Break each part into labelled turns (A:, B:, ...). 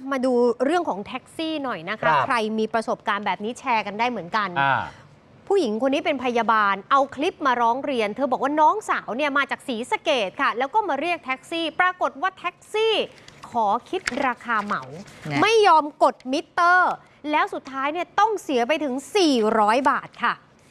A: มาดูเรื่องของแท็กซี่หน่อยนะคะใครมีประสบการณ์แบบนี้แชร์กันได้เหมือนกันผู้หญิงคนนี้เป็นพยาบาลเอาคลิปมาร้องเรียนเธอบอกว่าน้องสาวเนี่ยมาจากศรีสะเกษค่ะแล้วก็มาเรียกแท็กซี่ปรากฏว่าแท็กซี่ขอคิดราคาเหมาไม่ยอมกดมิเตอร์แล้วสุดท้ายเนี่ยต้องเสียไปถึง400 บาทค่ะ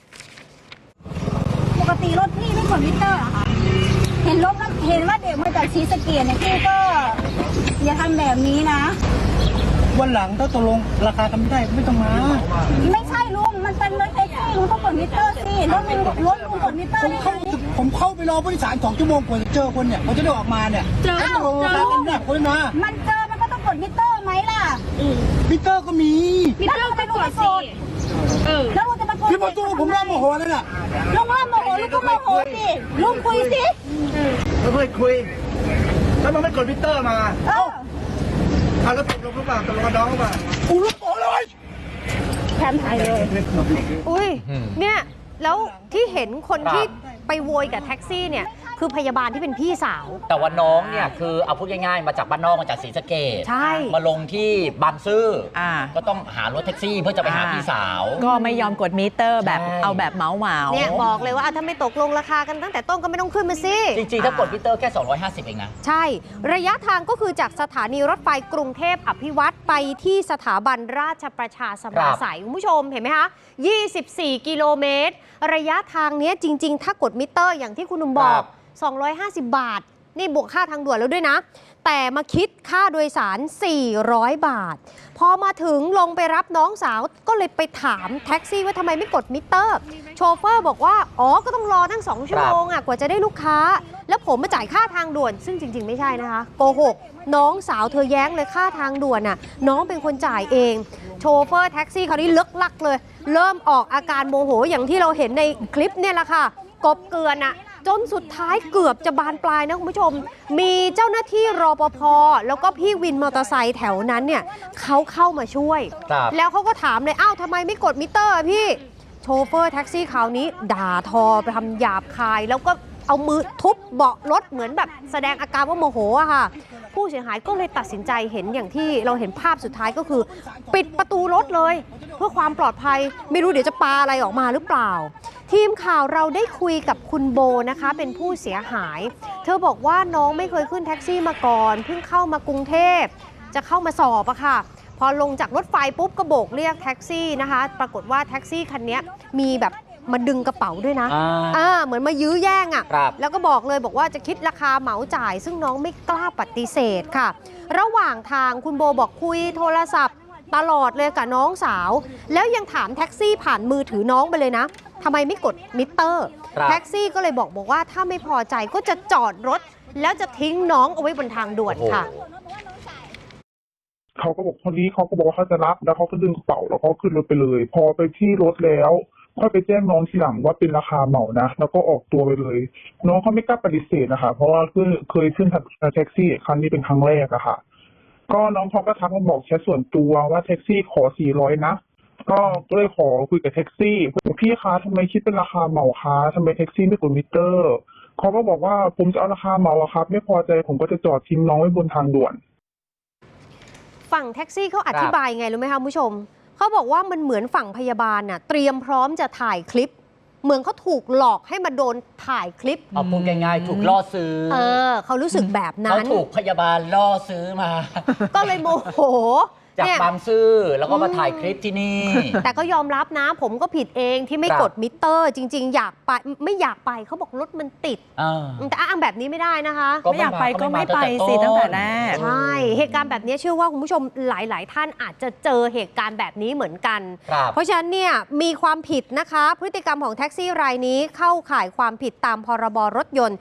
B: ปกติรถพี่ไม่กดมิเตอร์เหรอคะเห็นว่าเด็กมาจากศรีสะเกษเนี่ยพี่ก็อย่าทำแบบนี้นะ
C: วันหลังถ้าตกลงราคากันไม่ได้ไม่ต้องมา
B: ไม่ใช่ลุงมันเป็นรถแท็กซี่ลุงต้องกดมิเตอร์สิรถลุงกดมิเตอร์ได้ไง
C: ผมเข้าไปรอผู้โดยสาร2 ชั่วโมงกว่าจะเจอคนเนี่ยเขาจะได้ออกมาเนี่ย
B: เจอ
C: ราคากันเนี่ยคนนะ
B: มันเจอมันก็ต้องกดมิเตอร์ไหมล่ะ
C: มิเตอร์ก็มี
B: มิเตอร์ก็กดสิแล้วลุงจะมา
C: พี่มาตู้ผมเริ่มโมโหแล้วน่ะ
B: ลุงเริ่มโมโหลุงก็โมโหสิลุงคุยสิ
C: ไม่เคยคุยแล้วมันไม่กดมิเตอร์มาแล้วตกลงหรือเปล่าตกลงกับน้องหรือเปล่าอู้รู้ตัวเลย
B: แทนไทยเลย
A: อุ้ยเนี่ยแล้วที่เห็นคนที่ไปโวยกับแท็กซี่เนี่ยคือพยาบาลที่เป็นพี่สาว
D: แต่ว่าน้องเนี่ยคือเอาพูดง่ายๆมาจากบ้านนอกมาจากศรีสะเกษ
A: ใช่
D: มาลงที่บางซื่อก็ต้องหารถแท็กซี่เพื่อจะไปหาพี่สาว
E: ก็ไม่ยอมกดมิเตอร์แบบเอาแบบเมา
A: เนี่ยบอกเลยว่าถ้าไม่ตกลงราคากันตั้งแต่ต้นก็ไม่ต้องขึ้นมาสิ
D: จริงๆถ้ากดมิเตอร์แค่250เองนะ
A: ใช่ระยะทางก็คือจากสถานีรถไฟกรุงเทพอภิวัตรไปที่สถาบันราชประชาสมาสัยคุณผู้ชมเห็นไหมคะ24 กิโลเมตรระยะทางนี้จริงๆถ้ากดมิเตอร์อย่างที่คุณหนุ่มบอก250 บาทนี่บวกค่าทางด่วนแล้วด้วยนะแต่มาคิดค่าโดยสาร400 บาทพอมาถึงลงไปรับน้องสาวก็เลยไปถามแท็กซี่ว่าทำไมไม่กดมิเตอร์โชเฟอร์บอกว่าก็ต้องรอตั้ง2 ชั่วโมงกว่าจะได้ลูกค้าแล้วผมมาจ่ายค่าทางด่วนซึ่งจริงๆไม่ใช่นะคะโกหกน้องสาวเธอแย้งเลยค่าทางด่วนน่ะน้องเป็นคนจ่ายเองโชเฟอร์แท็กซี่คราวนี้เลิกลักเลยเริ่มออกอาการโมโหอย่างที่เราเห็นในคลิปเนี่ยแหละค่ะกบเกลือนจนสุดท้ายเกือบจะบานปลายนะคุณผู้ชมมีเจ้าหน้าที่รปภแล้วก็พี่วินมอเตอร์ไซค์แถวนั้นเนี่ยเขาเข้ามาช่วยแล้วเขาก็ถามเลยทำไมไม่กดมิเตอร์พี่โชเฟอร์แท็กซี่คราวนี้ด่าทอไปทำหยาบคายแล้วก็เอามือทุบเบาะรถเหมือนแบบแสดงอาการว่าโมโหอะค่ะผู้เสียหายก็เลยตัดสินใจเห็นอย่างที่เราเห็นภาพสุดท้ายก็คือปิดประตูรถเลยเพื่อความปลอดภัยไม่รู้เดี๋ยวจะปาอะไรออกมาหรือเปล่าทีมข่าวเราได้คุยกับคุณโบนะคะเป็นผู้เสียหายเธอบอกว่าน้องไม่เคยขึ้นแท็กซี่มาก่อนเพิ่งเข้ามากรุงเทพจะเข้ามาสอบอะค่ะพอลงจากรถไฟปุ๊บก็โบกเรียกแท็กซี่นะคะปรากฏว่าแท็กซี่คันนี้มีแบบมาดึงกระเป๋าด้วยนะเหมือนมายื้อแย่งแล้วก็บอกเลยบอกว่าจะคิดราคาเหมาจ่ายซึ่งน้องไม่กล้าปฏิเสธค่ะระหว่างทางคุณโบบอกคุยโทรศัพท์ตลอดเลยกับน้องสาวแล้วยังถามแท็กซี่ผ่านมือถือน้องไปเลยนะทำไมไม่กดมิเตอร์แท็กซี่ก็เลยบอกว่าถ้าไม่พอใจก็จะจอดรถแล้วจะทิ้งน้องเอาไว้บนทางด่วนค่ะ
F: เขาก็บอกคนนี้เขาก็บอกว่าเขาจะรับแล้วเขาก็ดึงกระเป๋าแล้วก็ขึ้นรถไปเลยพอไปที่รถแล้วค่อยไปแจ้งน้องทีหลังว่าเป็นราคาเหมานะแล้วก็ออกตัวไปเลยน้องเขาไม่กล้าปฏิเสธนะคะเพราะว่าเคยขึ้นแท็กซี่ครั้งนี้เป็นครั้งแรกอะค่ะก็น้องเขาก็ทักมาบอกแชทส่วนตัวว่าแท็กซี่ขอ400นะก็เลยขอคุยกับแท็กซี่พี่คะทำไมคิดเป็นราคาเหมาคะทำไมแท็กซี่ไม่กดมิเตอร์เขาก็บอกว่าผมจะเอาราคาเหมาครับไม่พอใจผมก็จะจอดทิ้งน้องไว้บนทางด่วน
A: ฝั่งแท็กซี่เขาอธิบายไงรู้ไหมคะคุณผู้ชมเขาบอกว่ามันเหมือนฝั่งพยาบาลเตรียมพร้อมจะถ่ายคลิปเหมือนเขาถูกหลอกให้มาโดนถ่ายคลิป
D: เอาพูดง่ายๆถูกล่อซื้อ
A: เขารู้สึกแบบนั้น
D: เขาถูกพยาบาลล่อซื้อมา
A: ก็เลยโมโห
D: จากบางซื่อแล้วก็มาถ่ายคลิปที่นี่
A: แต่ก็ยอมรับนะผมก็ผิดเองที่ไม่กดมิเตอร์จริงๆอยากไปไม่อยากไปเขาบอกรถมันติดแต่อ้างแบบนี้ไม่ได้นะคะ
E: ไม่อยากไปก็ไม่ไปสิตั้งแต่แรก
A: ใช่เหตุการณ์แบบนี้เชื่อว่าคุณผู้ชมหลายๆท่านอาจจะเจอเหตุการณ์แบบนี้เหมือนกันเพราะฉะนั้นเนี่ยมีความผิดนะคะพฤติกรรมของแท็กซี่รายนี้เข้าข่ายความผิดตามพรบรถยนต์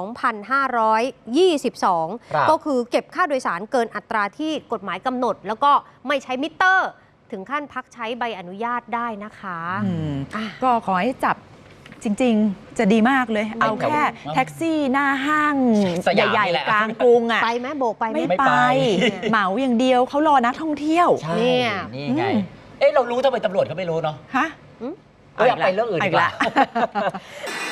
A: 2522 ก็คือเก็บค่าโดยสารเกินอัตราที่กฎหมายกำหนดแล้วก็ไม่ใช้มิเตอร์ถึงขั้นพักใช้ใบอนุญาตได้นะคะ
E: ก็ขอให้จับจริงๆจะดีมากเลยเอาแค่แท็กซี่หน้าห้างใหญ่ๆกลางกรุง
A: ไปไหมโบกไป
E: ไม่ไปเหมาอย่างเดียวเขารอนักท่องเที่ยว
D: นี่ไงเรารู้ทำไมตำรวจเขาไม่รู้เนาะ
E: ฮะ
D: อยากไปเรื่องอื่นอีกละ